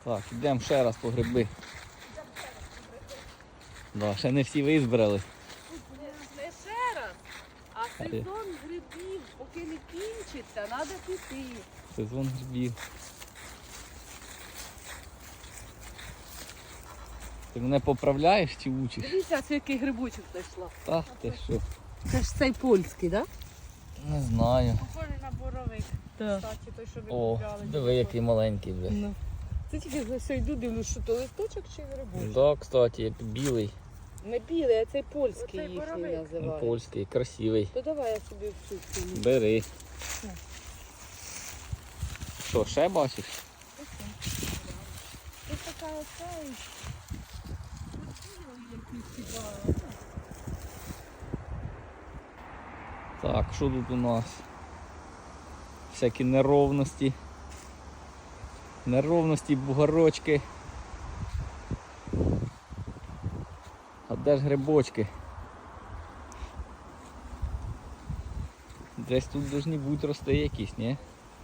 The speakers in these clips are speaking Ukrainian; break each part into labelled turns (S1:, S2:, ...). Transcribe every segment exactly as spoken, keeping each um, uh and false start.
S1: Так, йдемо ще раз по гриби. Да, ще не всі визбирали.
S2: Не ще раз, а сезон грибів, поки не кінчиться, треба піти.
S1: Сезон грибів. Ти мене поправляєш чи учиш?
S2: Дивіться, це який грибочок знайшла.
S1: Так, ти що?
S2: Це ж цей польський, так?
S1: Не знаю.
S3: Похожий на боровик.
S2: Так.
S3: Кстати, той, що ви
S1: О,
S3: купляли.
S1: диви, який маленький вже.
S2: Ну. Це тільки за все йду, дивлюсь, що то листочок чи грибочок.
S1: Да, кстати, білий,
S2: Не білий, а цей польський
S3: Оцей
S2: їхній
S3: боровик.
S2: називають.
S1: польський, красивий.
S2: То давай я собі всю цю.
S1: Бери.
S2: Так.
S1: Що, ще бачиш?
S2: Ось така оця.
S1: Так, що тут у нас? Всякі неровності. Неровності, бугорочки. А де ж грибочки? Десь тут повинні бути рости якісь, ні?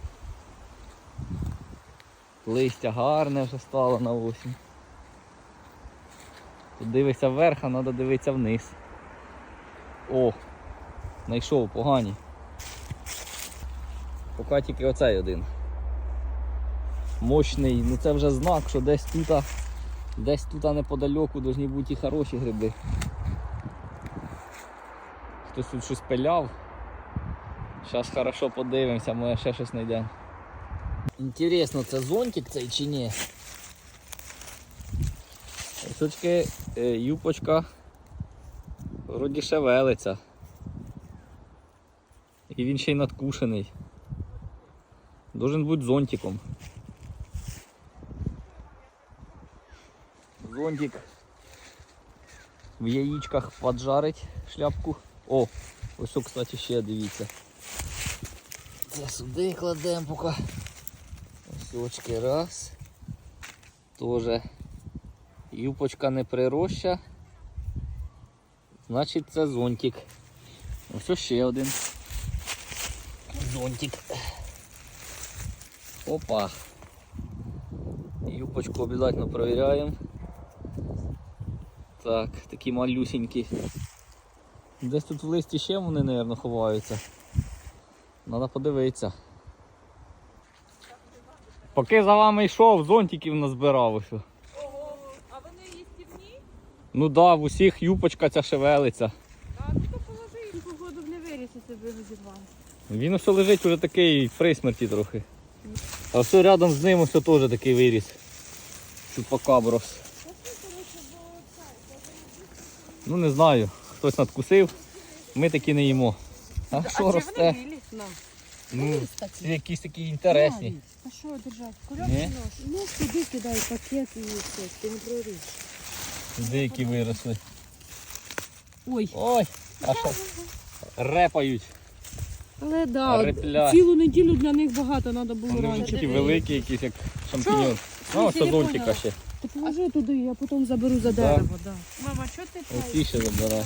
S1: Листя гарне вже стало на осінь. Тут дивишся вверх, а треба дивитися вниз. О! Знайшов, погані. Поки тільки оцей один. Мощний, ну це вже знак, що десь тут, десь тут неподалеку повинні бути і хороші гриби. Хтось тут щось пиляв. Зараз хорошо подивимося, може ще щось знайдемо. Інтересно, це зонтик цей чи ні? Ось очки, юпочка вроді шевелиться. І він ще й надкушений. Должен бути зонтиком. Зонтик в яєчках поджарить шляпку. О, ось, кстати, ще дивіться. Це сюди кладемо поки. Ось очки раз. Тоже юпочка не прироща. Значить це зонтик. Ось ще один. Зонтик. Опа. Юпочку обов'язково перевіряємо. Так, такі малюсенькі. Десь тут в листі ще вони, мабуть, ховаються. Треба подивитися. Поки за вами йшов, зонтиків назбирав ось.
S3: Ого, а вони їстівні?
S1: Ну так, да, в усіх юпочка ця шевелиться.
S3: Так, ну то положи їм погоду не виріс, якщо ви розірвали.
S1: Він ось лежить уже такий при смерті трохи. А все рядом з ним ось теж такий виріс. Чупакаброс. Ну не знаю, хтось надкусив, ми такі не їмо. А
S3: А
S1: що
S3: чи
S1: росте?
S3: вони білі?
S2: На.
S1: Ну, це якісь такі інтересні.
S3: А що держать?
S1: Ні?
S3: Кульок
S2: Ну сюди кидай пакет і все, ти не проріж.
S1: Деякі виросли.
S2: Ой.
S1: Ой, а що репають.
S2: Але да,
S1: Репля.
S2: цілу неділю для них багато треба було
S1: Вони вже
S2: раніше.
S1: такі великі, якісь як шампіньон. Ну, ось
S2: Я не
S1: зонтика
S2: поняла.
S1: ще.
S2: Ти положи туди, я потім заберу за дерево. Да.
S3: Мама, що ти
S1: Оці ще забирай.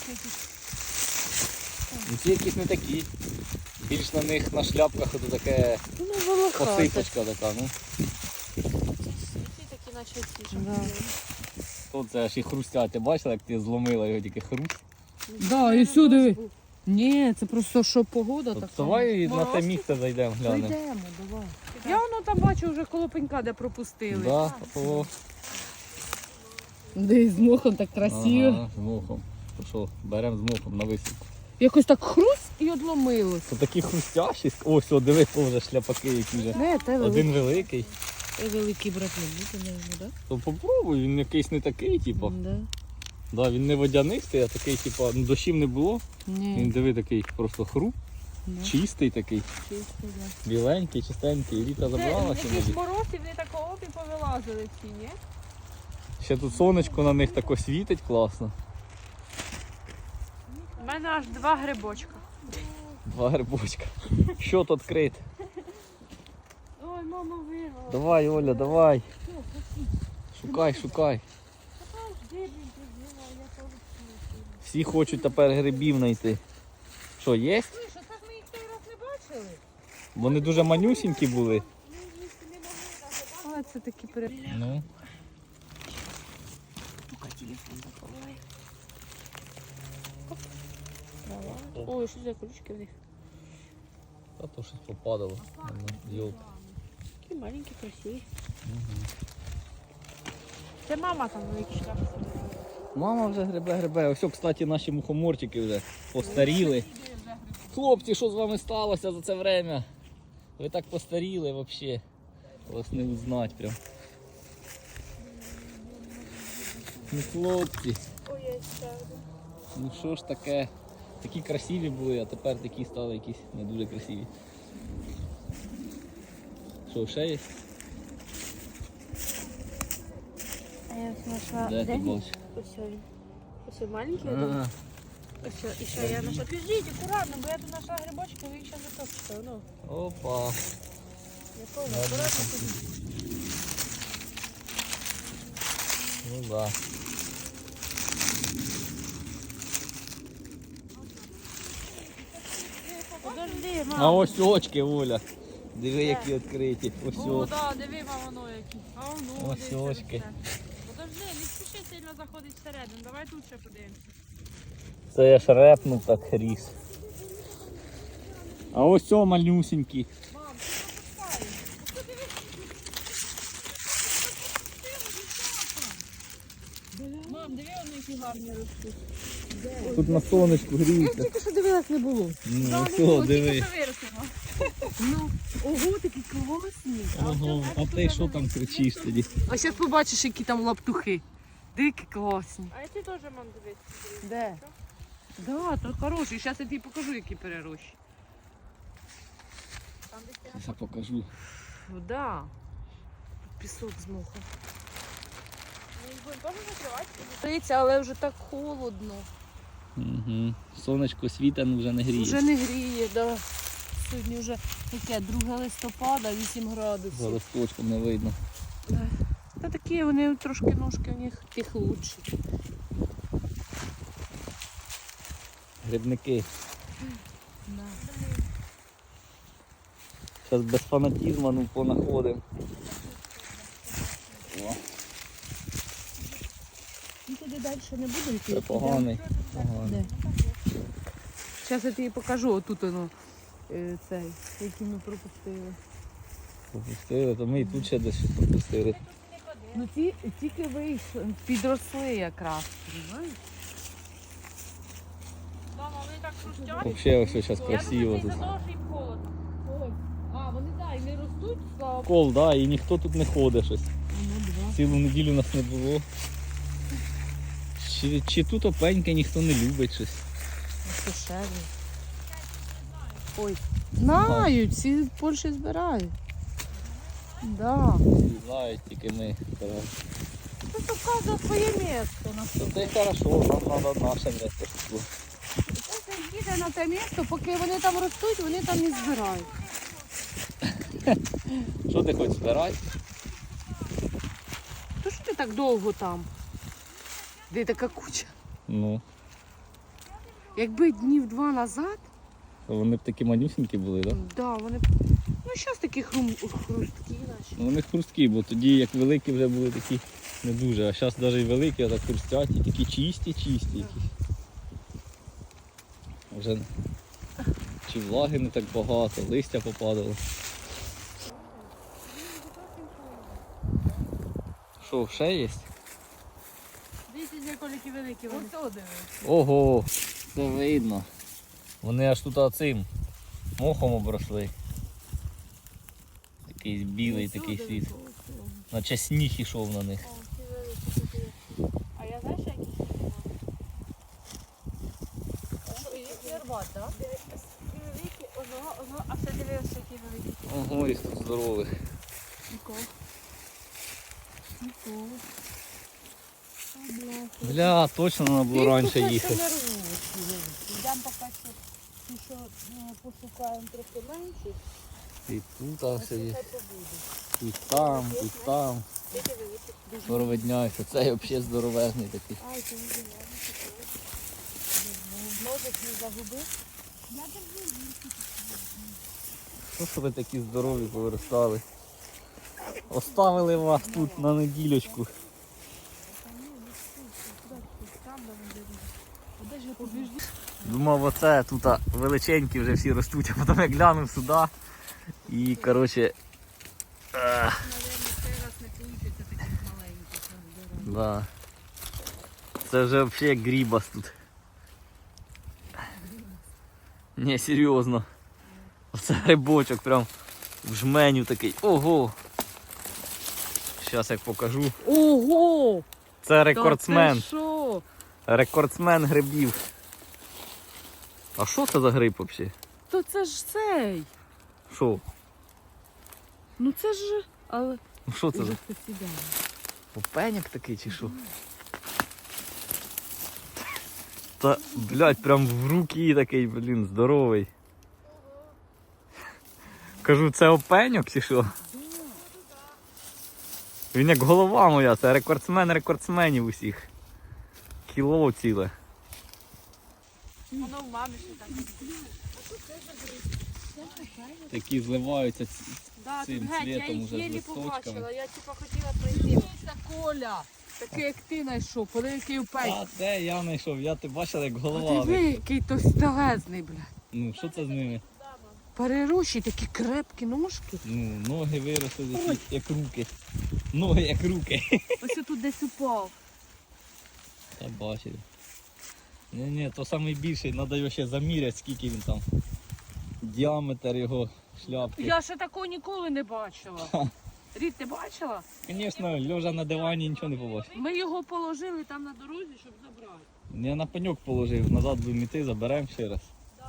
S1: Ну, ці якісь не такі. Більш на них на шляпках ото таке
S2: Ну, волохати.
S1: посипочка така. Ну.
S3: Ці такі, наче ці
S2: Да.
S1: Тут це аж і хрустять. Ти бачила, як ти зломила його тільки хруст?
S2: Да, і сюди. Ні, це просто що погода
S1: От
S2: така.
S1: давай на те
S3: Морозки?
S1: місце зайдемо, глянемо.
S2: Зайдемо, давай.
S3: Я воно там бачу вже коло пенька, де пропустили.
S1: Да, о,
S2: Де з мохом так красиво.
S1: ага, з мохом. То що, беремо з мохом на висілку.
S2: Якось так хруст і одломилось.
S1: Це такі хрустящі. Ось, о, диви, теж шляпаки які вже.
S2: Не, те великий.
S1: Один великий.
S2: Те великий брат не буде, не, да?
S1: То попробуй, він якийсь не такий, типу.
S2: Да.
S1: Да, він не водянистий, а такий, типу, ну, дощів не було. Він
S2: Ні,
S1: диви такий просто хруп,
S2: да.
S1: чистий такий,
S2: Чисто, да.
S1: біленький, чистенький. І Віка
S3: Це
S1: забрала
S3: якийсь
S1: сьогодні.
S3: мороз і вони такого і повилазили всі, ні?
S1: Ще тут сонечко на них тако світить класно.
S3: У мене аж два грибочка.
S1: Два грибочка. Що тут крит?
S3: Ой, мама вирвала.
S1: Давай, Оля, давай. Шукай, шукай. Всі хочуть тепер грибів знайти. Що, є?
S3: Слушай, так ми їх той раз не бачили.
S1: Вони дуже манюсінькі були.
S3: Але це такі пере...
S1: Ну,
S3: Поки телефон заховає. Трава. Ой, що за колючки в них?
S1: та то щось попадало. Йолки.
S3: Такі маленькі, красиві. Це мама там великі шляпи.
S1: Мама вже гребе-гребе. Ось, кстати, наші мухоморчики вже постаріли. Хлопці, що з вами сталося за це время? Ви так постаріли взагалі. Вас не узнать прям. Ну, хлопці,
S3: Ой, я ставлю.
S1: ну що ж таке? Такі красиві були, а тепер такі стали якісь не дуже красиві. Що, ще є?
S3: А я знайшла.
S1: Де ти бачиш?
S3: Ось він. Ось маленький.
S1: А,
S3: Ось, і що я знайшла. Підождіть, акуратно, бо я тут знайшла грибочки, ви їх ще затопчете. Ну,
S1: опа.
S3: я повно, акуратно підійдіть.
S1: Ну да.
S3: Подожди,
S1: А
S3: мам.
S1: ось очки, Оля. Диви, які відкриті. Ось
S4: О,
S1: ось.
S4: да, диви, мама, воно які. А воно,
S1: Ось
S4: дивися,
S1: очки.
S4: все. Подожди, не спіши сильно заходить всередину. Давай тут ще подивимося.
S1: Це я ж репнув так ріс. А ось о малюсенький.
S4: Мам, ти пропускаєш. Мам, диви, вони які гарні ростуть.
S1: Тут на сонечку гріється.
S3: Тільки що дивилась, не було.
S1: Ну,
S4: Тільки
S1: все, диви.
S4: що виростемо.
S3: Ну, ого, такі класні.
S1: Ого, а ти що там кричиш тоді?
S2: А зараз побачиш, які там лаптухи. Дикі класні.
S4: А ці теж, мам, дивись.
S2: Де? Да, то хороші. Зараз я тобі покажу, які перерощі.
S4: Там десь
S1: Я покажу.
S2: Ну, да. Пісок змухав.
S4: ми їх будемо теж закривати.
S2: Дивіться, але вже так холодно.
S1: Угу. Сонечко світа, ну вже не гріє.
S2: Вже не гріє, да. Сьогодні вже таке друге листопада, вісім градусів.
S1: За листочком не видно.
S2: Та такі вони трошки ножки у них тих лучші.
S1: Грибники.
S2: Да.
S1: Зараз без фанатізму ну, понаходимо. О,
S2: Ну туди далі не буде йти.
S1: це поганий. Поганий.
S2: Зараз я тобі покажу, отут воно е, цей, який ми пропустили.
S1: Пропустили, то ми і тут ще десь щось пропустили.
S2: Ну ті тільки вийшли, підросли якраз. Розумієш?
S4: Мама, вони так хрустять.
S1: Взагалі ось зараз красиво
S4: Я
S1: тут.
S4: думаю, це за того, що їм холодно.
S2: Ой, а вони так, і не ростуть, слава Богу.
S1: Кол, да, і ніхто тут не ходить щось.
S2: Ну, два.
S1: Цілу неділю нас не було. Чи, чи тут опеньки ніхто не любить щось.
S2: Дешеві. Ой, знають, всі в Польщі збирають. Да.
S1: Всі знають, тільки ми. стараємося.
S2: Це вказує своє місце. На
S1: То це й хорошо, нам треба наше місце. щоб було.
S2: Це їде на те місце, поки вони там ростуть, вони там і збирають.
S1: Що ти хочеш збирати?
S2: То що ти так довго там? Де така куча?
S1: Ну,
S2: Якби днів два назад,
S1: то вони б такі манюсенькі були, так? Да?
S2: да, вони б- ну зараз такі хрум... хрусткі наші.
S1: Ну, вони хрусткі, бо тоді як великі вже були такі не дуже, а зараз навіть і великі, а так хрустять, і такі чисті, чисті якісь. Вже чи влаги не так багато, листя попадало. Що, ще є?
S4: Дивіться, з якої великі вони.
S2: Ось дивись.
S1: Ого, це видно. Вони аж тут цим мохом обросли. Такий білий такий світ. Наче сніг ішов на них.
S4: А я знаєш, які?
S2: Ярбат, так?
S4: Великі, одного, одного, а все дивився, які великі.
S1: Ого, і тут здорових.
S4: Нікого.
S2: Ніколи.
S1: Бля, точно треба було раніше їхати.
S2: Йдемо поки що, ті, що ну, пошукаємо трохи менші,
S1: І тут а, все є.
S2: хай побуде.
S1: І там, і там.
S2: Тільки великі.
S1: Порведняйся. Цей взагалі здоровезний такий.
S2: Ай, ти не знаю, ножик не загубив.
S1: Що ж ви такі здорові повиростали? Оставили вас тут на неділечку. Думав, оце тут величенькі вже всі ростуть, а потім я глянув сюди. І, коротше, ех, да. Це вже взагалі як грібас тут. Не, серйозно. Оце грибочок прям в жменю такий. Ого! Зараз як покажу.
S2: Ого!
S1: Це рекордсмен.
S2: Та ти що?
S1: Рекордсмен грибів. А що це за гриб взагалі?
S2: То це ж цей.
S1: Що?
S2: Ну це ж. Але
S1: Ну що це за?
S2: уже посідає.
S1: Опеняк такий чи що? Та, блядь, прям в руки такий, блін, здоровий. Кажу, це опеньок чи що? Він як голова моя, це рекордсмен рекордсменів усіх. Кіло ціле.
S3: Воно в мамі ще так.
S1: Такі зливаються.
S3: Да,
S1: Цим
S3: тут геть, я
S1: цвітом
S3: їх
S1: уже з
S3: єлі
S1: листочками.
S3: побачила. Я типа хотіла пройти.
S2: Це Коля. Такий як ти знайшов, коли який упей.
S1: А де я знайшов? Я ти бачила як
S2: А
S1: голова.
S2: диви, який товстелезний, блядь.
S1: Ну що це з ними?
S2: Перерощі, такі крепкі ножки.
S1: Ну, ноги виросли такі, як руки. Ноги як руки.
S2: Ось тут десь упав.
S1: Та бачили. Ні, ні, то найбільший, треба його ще заміряти, скільки він там. Діаметр його шляпки.
S2: Я ще такого ніколи не бачила. Рід, ти бачила?
S1: Звісно, лежа на дивані нічого не побачив.
S2: Ми його положили там на дорозі, щоб забрати.
S1: Я на пеньок положив, назад будемо йти, заберемо ще раз.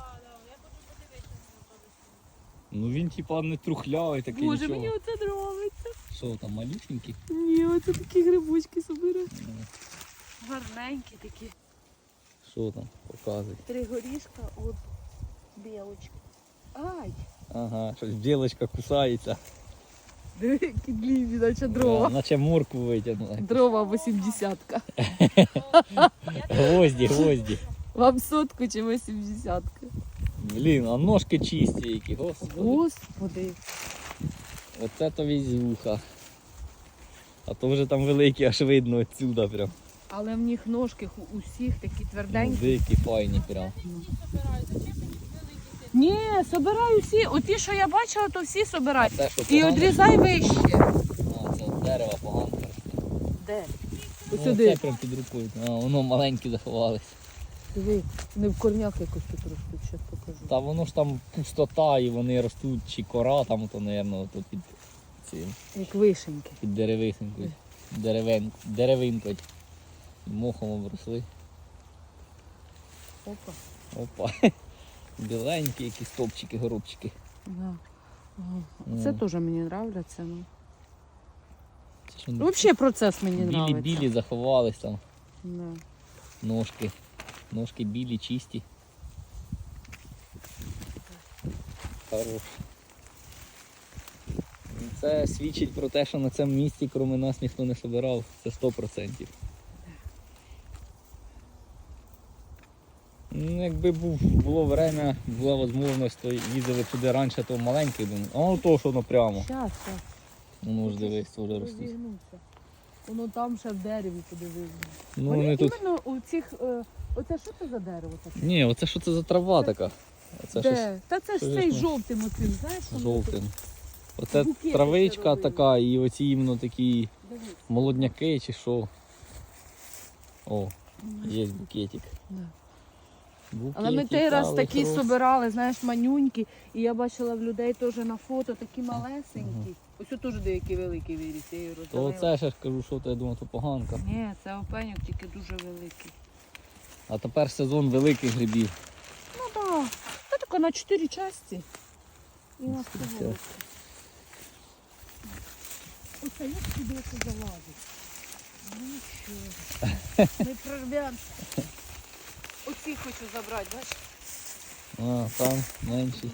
S1: Ну він типа не трухлявий такий.
S2: Боже,
S1: нічого.
S2: мені оце подобається.
S1: Що там, малюсенький?
S2: Ні, оце такі грибочки собираю.
S1: Ну,
S2: Гарненькі такі.
S1: що там, показуй.
S2: Три горішка от білочки. Ай!
S1: Ага, щось білочка кусається.
S2: Диви, які длінні, наче
S1: А,
S2: дрова.
S1: наче морку витягнула.
S2: Дрова вісімдесятка.
S1: Гвозді, гвозді.
S2: Вам сотку чи вісімдесятка?
S1: Блін, а ножки чисті які, господи.
S2: Господи.
S1: Оце то візюха. А то вже там великі, аж видно отсюда прям.
S2: Але в них ножки у всіх такі
S1: Ну,
S2: тверденькі.
S1: дикі, файні прям.
S2: Ні, собираю всі. Оті, що я бачила, то всі собирай.
S1: А це що,
S2: І
S1: погано?
S2: відрізай вище.
S1: А, це от дерево погано.
S2: Де?
S1: Ну,
S2: Сюди.
S1: це прям під рукою. А, воно маленькі заховались.
S2: Диви, вони в корнях якось тут ростуть, зараз покажу.
S1: Та воно ж там пустота і вони ростуть, чи кора там, то, мабуть, то під цим,
S2: Як вишеньки.
S1: під деревисинкою. Деревин, деревинкою. Мохом обросли.
S2: Опа.
S1: Опа. Біленькі якісь топчики, горобчики.
S2: Да. Ага.
S1: Ну.
S2: Це теж мені подобається. Ну.
S1: Це що,
S2: Взагалі процес мені подобається.
S1: білі-білі заховались там.
S2: Да.
S1: Ножки. Ножки білі, чисті. Хорош. Це свідчить про те, що на цьому місці, крім нас, ніхто не собирав. Це сто відсотків. Ну, якби був, було время, була можливість, то їздили туди раніше, то маленький був. А воно то, що воно прямо.
S2: Щас, щас.
S1: Воно ж дивись, теж ростуть.
S2: Розігнувся. Воно там ще в дереві подивився.
S1: Ну,
S2: Вони
S1: вони тут...
S2: іменно у цих... Е, оце що це за дерево таке?
S1: Ні, оце що це за трава така? Оце щось
S2: Де? Та це ж
S1: щось
S2: цей
S1: ми-
S2: жовтим оцим, знаєш? воно
S1: жовтим. Оце
S2: Букети
S1: травичка
S2: заробили.
S1: така і оці іменно такі
S2: тут. Дивись.
S1: молодняки чи що. О, є букетик.
S2: Да.
S1: Букетик,
S2: Але ми той раз
S1: але
S2: такі
S1: хорош.
S2: собирали, знаєш, манюнькі, і я бачила в людей теж на фото такі малесенькі. Ось тут теж деякі великі виріс, я її
S1: То
S2: роздавила.
S1: оце ще ж кажу, що то я думаю, то поганка.
S2: Ні, це опеньок, тільки дуже великий.
S1: А тепер сезон великих грибів.
S2: Ну так, це таке на чотири часті. І у нас
S1: Це-
S2: того. Оце як сюди це залазить? Ну нічого. Ми прорвемося. Оці хочу забрати, бачиш?
S1: А, там менші.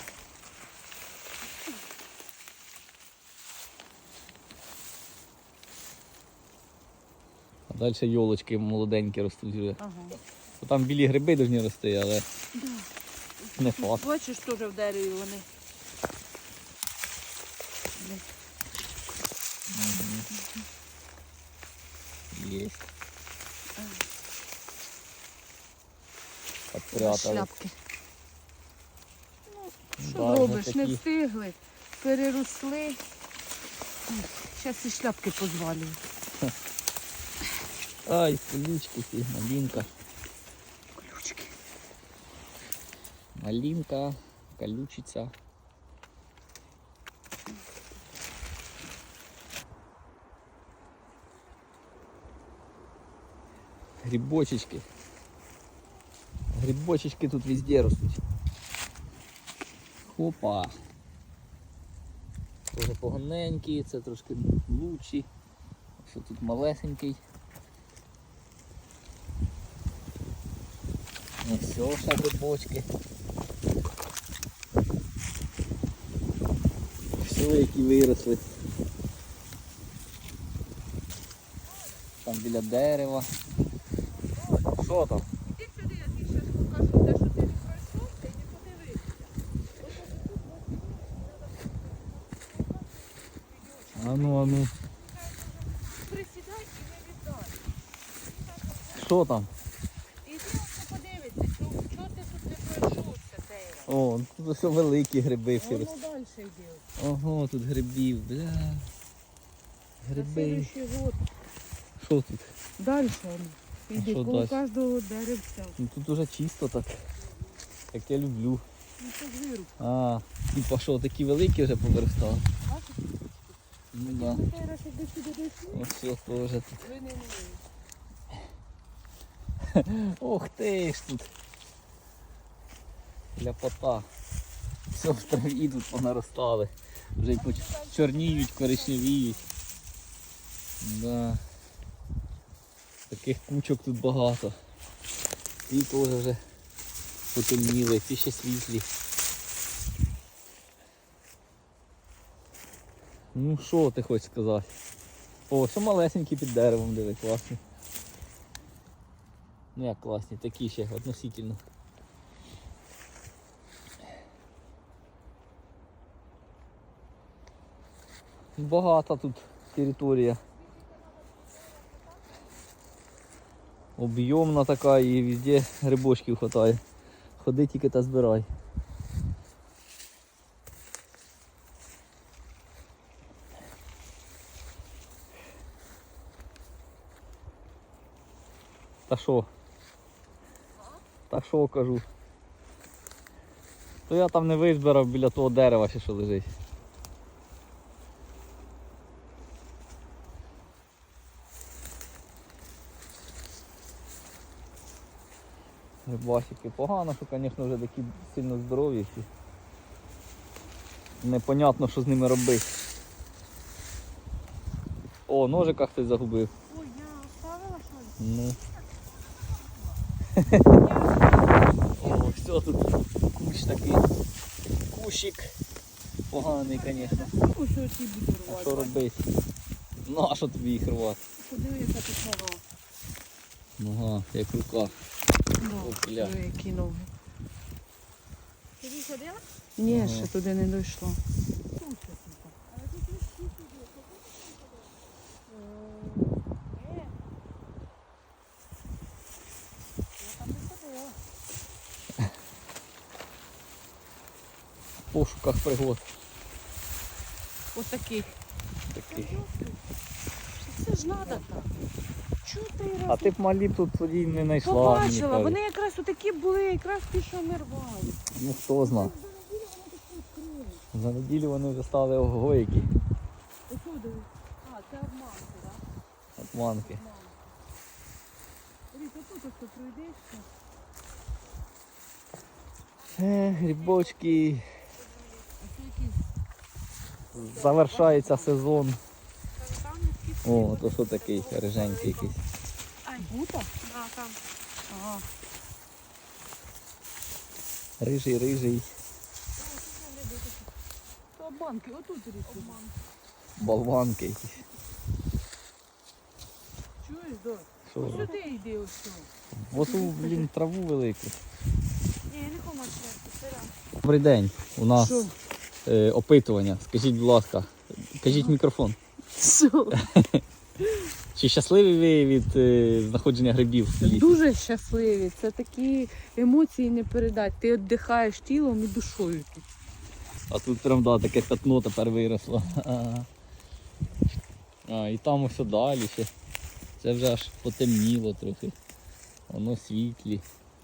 S1: А далі йолочки молоденькі ростуть вже.
S2: Ага.
S1: То там білі гриби повинні рости, але не факт.
S2: Бачиш, теж в дереві вони.
S1: Є.
S2: На
S1: Подпрятали.
S2: шляпки. Що
S1: Да, вже
S2: робиш? Не
S1: такі.
S2: встигли, переросли. Зараз і шляпки позвалюють.
S1: Ай, колючки ці, малинка.
S2: Колючки.
S1: Малинка, колючиця. Грибочечки. Грибочечки тут везде ростуть. Хопа. Тоже поганенькі, це трошки лучші. Що тут малесенький. Ось все, ще грибочки. Все, які виросли. Там біля дерева. Що там?
S2: Іди сюди, я тобі зараз покажу те, що ти не пройшов, ти не подивився.
S1: А ну, а ну.
S2: Присідай і не віддай.
S1: Що там?
S2: Іди ось подивися, чого чого ти тут не пройшовся, Тейра.
S1: О, тут все великі гриби всі
S2: Воно
S1: ростуть.
S2: далі йде.
S1: Ого, тут грибів, бля.
S2: На
S1: Гриби.
S2: слідуючий год.
S1: Що тут?
S2: Далі воно. Іди,
S1: що
S2: коло
S1: далі?
S2: кожного деревця.
S1: Ну тут уже чисто так. Як я люблю.
S2: Ну це ж вируб.
S1: А, типа що, такі великі вже повиростали?
S2: Бачиш?
S1: Ну да.
S2: Ну, Тейра, щоб ти сюди дійшли,
S1: Ось все теж тут.
S2: ви не вмієте.
S1: Ох ти ж тут. Ляпота. Все в траві тут понаростали. Вже й поч- чорніють, коричневіють. Да. Таких кучок тут багато. Ті теж вже потемніли, ці ще світлі. Ну що ти хочеш сказати? О, що малесенькі під деревом, диви, класні. Ну як класні, такі ще относительно. Багата тут територія. Об'ємна така і везде грибочків хватає. Ходи тільки та збирай. Та що? Та що кажу? То я там не визбирав біля того дерева, ще що лежить. Грибасики погано, що, звісно, вже такі сильно здорові всі. Непонятно, що з ними робити. О, ножика хтось загубив.
S3: Ой, я оставила щось.
S1: Ну. О, все тут кущ такий. Кущик. Поганий, звісно.
S2: Ось оці буду
S1: А
S2: рвати.
S1: що робити? Ну, а що тобі їх рвати?
S2: Подиви, яка тут нога.
S1: Нога, як рука.
S2: Да,
S1: Опля.
S2: диви, які ноги.
S3: Ти ж ходила?
S2: Ні,
S1: Ага.
S2: ще туди не дійшло.
S1: В пошуках пригод
S2: Ось таких.
S1: таких.
S2: Це ж треба так. Чого ти
S1: А ти б малі б тут тоді не знайшла. мені
S2: побачила?
S1: кажуть.
S2: Вони якраз отакі були, якраз ті, що ми рвали.
S1: Ну хто зна. За неділю вони вже стали ого які.
S2: Ось диви. А, це обманки, так?
S1: Обманки.
S2: Ріка, тут ось пройдешся.
S1: Е, грибочки.
S2: А це якісь
S1: Завершається сезон.
S3: Там
S1: О, то що такий риженький якийсь.
S2: бута?
S3: А, там.
S2: Ага.
S1: Рижий, рижий.
S2: Це обманки, отут ріка.
S1: Болванки якісь.
S2: Чуєш, Дор?
S1: Що?
S2: Ось сюди йди ось тут.
S1: В оту, блін, траву велику.
S3: Ні, я не хочу чекати, це рано.
S1: Добрий день. У нас
S2: Що?
S1: е, опитування. Скажіть, будь ласка, кажіть мікрофон.
S2: Що?
S1: Чи щасливі ви від е, знаходження грибів в лісі?
S2: Дуже щасливі. Це такі емоції не передати. Ти віддихаєш тілом і душою. тут.
S1: А тут прям да, таке пятно тепер виросло. Ага. А, і там ось далі ще. Це вже аж потемніло трохи. Воно світлі.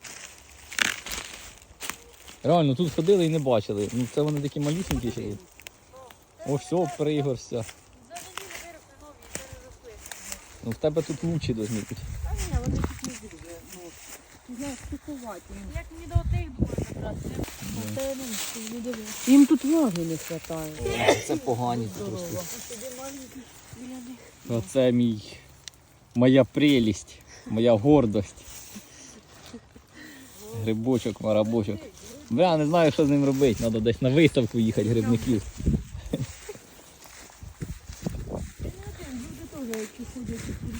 S1: Реально, тут ходили і не бачили. Ну це вони такі малюсенькі ще. є. О, все, пригорся.
S3: За неділю виросли нові, переросли.
S1: Ну в тебе тут лучі должны бути.
S2: Та ні, вони тут не дуже. Ну, ти знаєш, стикувати.
S3: Як мені до отих думаю забрати, не
S2: Та ну, не дивись. Їм тут ваги не вистачає.
S1: Це погані тут
S2: Здорово.
S1: ростуть. Оце мій, моя прелість, моя гордость. Грибочок, марабочок. Бля, не знаю, що з ним робити. Треба десь на виставку їхати грибників.
S2: Люди теж, які ходять у селі,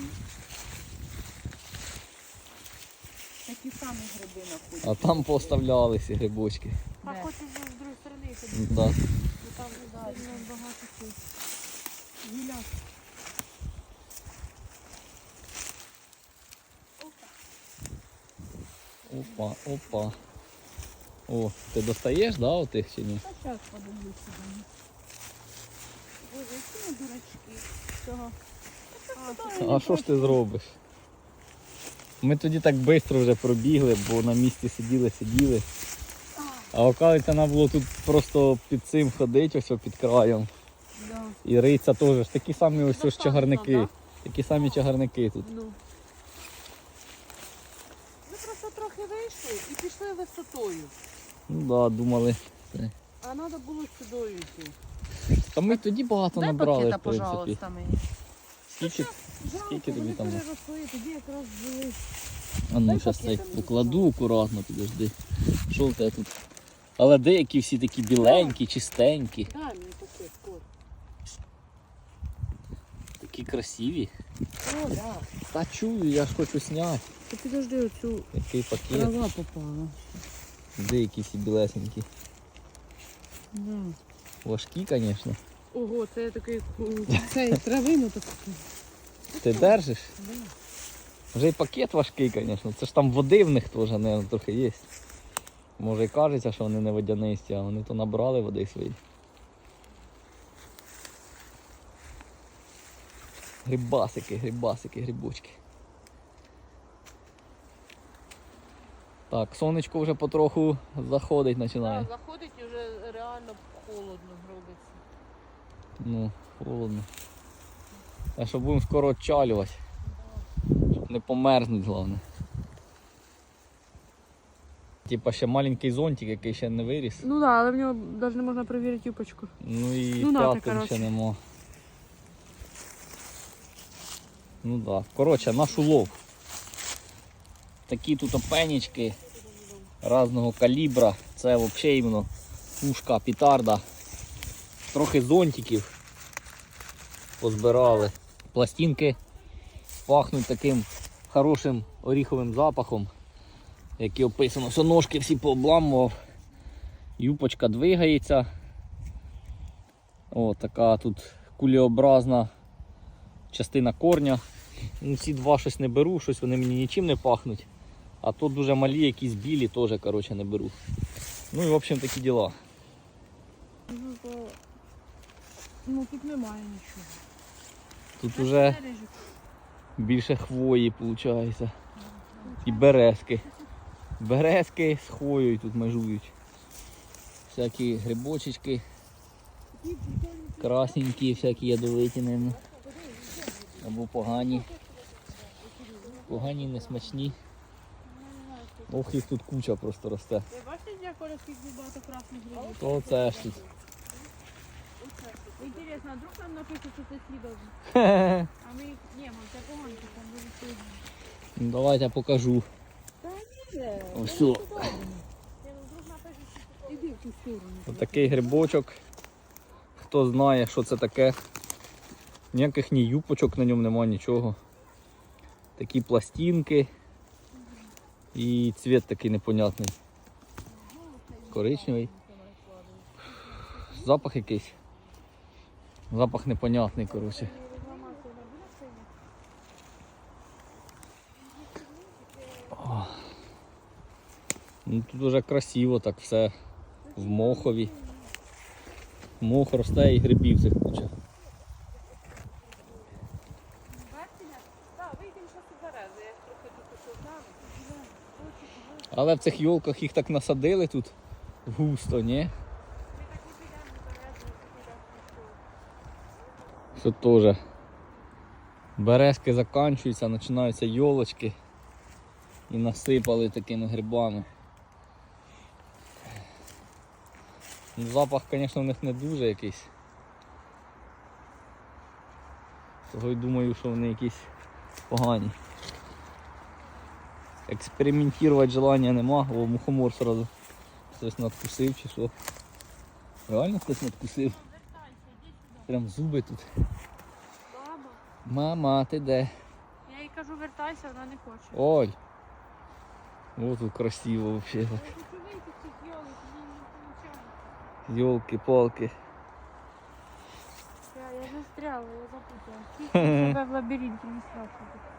S2: такі самі гриби знаходять.
S1: А там поставлялися грибочки.
S3: А
S2: Де?
S3: хочеш з другої сторони ходити,
S1: Да.
S3: бо там сильно багато цих.
S2: Гіляк.
S1: Опа, опа. О, ти достаєш, да, отих чи ні?
S2: Та зараз подивлюся. Боже, які ми дурачки. Цього.
S1: А що ж ти зробиш? Ми тоді так швидко вже пробігли, бо на місці сиділи, сиділи. А оказується, треба було тут просто під цим ходити, ось під краєм.
S2: Да.
S1: І риця теж ж такі самі ось ось
S2: Достатньо,
S1: чагарники.
S2: да?
S1: Такі самі чагарники тут.
S2: Ну. Ми просто трохи вийшли і пішли висотою.
S1: Ну так, да, думали. Це.
S2: А треба було сюди йти.
S1: Та ми тоді багато
S2: Дай
S1: набрали,
S2: пакета,
S1: в принципі.
S2: пожалуйста, мені.
S1: Скільки, скільки тобі
S2: вони
S1: там?
S2: переросли, тоді якраз були.
S1: А ну,
S2: Дай
S1: зараз цей
S2: пакета мені,
S1: покладу акуратно, підожди. Що в тебе тут? Але деякі всі такі біленькі, чистенькі,
S2: Дай мені пакет, скоро.
S1: такі красиві.
S2: О, да.
S1: Та чую, я ж хочу зняти.
S2: Ти підожди, оцю
S1: Який пакет.
S2: трава попала.
S1: Деякі всі білесенькі.
S2: Да.
S1: Важкі, звісно.
S2: Ого, це такий цей травину таку.
S1: Ти держиш? Вже й пакет важкий, звісно. Це ж там води в них теж, мабуть, трохи є. Може і кажеться, що вони не водянисті, а вони то набрали води свої. Грибасики, грибасики, грибочки. Так, сонечко вже потроху заходить починає.
S2: Да, заходить і вже реально холодно робиться.
S1: Ну, холодно. А що будемо скоро відчалювати. Щоб не померзнуть, головне. Типа ще маленький зонтик, який ще не виріс.
S2: Ну так, да, але в нього навіть не можна перевірити юпочку.
S1: Ну і
S2: Ну, нате,
S1: п'ятин
S2: коротше.
S1: ще нема. Ну так. Да. Коротше, наш улов. Такі тут опенічки різного калібра. Це взагалі іменно пушка, петарда. Трохи зонтиків позбирали. Пластинки пахнуть таким хорошим оріховим запахом, який описано, що ножки всі пообламував. Юпочка двигається. О, така тут кулеобразна частина корня. Ну, ці два щось не беру, щось вони мені нічим не пахнуть. А тут дуже малі, якісь білі, теж коротше, не беру. Ну і в общем такі діла.
S2: Ну, то... ну тут немає нічого.
S1: Тут вже більше хвої виходить. І березки. Березки з хвоєю тут межують. Всякі грибочечки. Красненькі, всякі ядовиті, мабуть. Або погані. Погані, несмачні. Ох, їх тут куча просто росте.
S2: Ви бачите, як Оля, скільки багато красних грибів?
S1: То це ж тут.
S2: Інтересно, а вдруг нам напишуть, що це слідовно? А ми їх... Ні, ми це поганки, там дуже сильно.
S1: Ну, давайте я покажу.
S2: Та ні,
S1: Ось тут.
S2: іди в ту сторону.
S1: Отакий грибочок. Хто знає, що це таке. Ніяких ні юпочок на ньому немає, нічого. Такі пластинки. І цвіт такий непонятний. Коричневий. Запах якийсь. Запах непонятний, коротше. Ну, тут дуже красиво так все в мохові. Мох росте і грибів цих куча.
S3: Бачите? Так, вийдемо щось і берези. Я трохи тут узнала.
S1: Але в цих йолках їх так насадили тут густо, ні?
S3: Ми так і підемо берези, і підемо.
S1: Що теж. Березки закінчуються, починаються йолочки. І насипали такими грибами. Ну, запах, звісно, в них не дуже якийсь. Того й думаю, що вони якісь погані. Експериментувати желання нема, о, мухомор сразу хтось надкусив чи що. Реально хтось надкусив. Прям зуби тут.
S3: Баба.
S1: Мама, ти де?
S3: Я їй кажу, вертайся, вона не хоче.
S1: Ой! О, тут красиво взагалі.
S3: Я хочу вийти з цих йолок, мені не виходить.
S1: Йолки-палки.
S3: Я, я застряла, я запуталась. Чувствую себе в лабіринті, не страшно.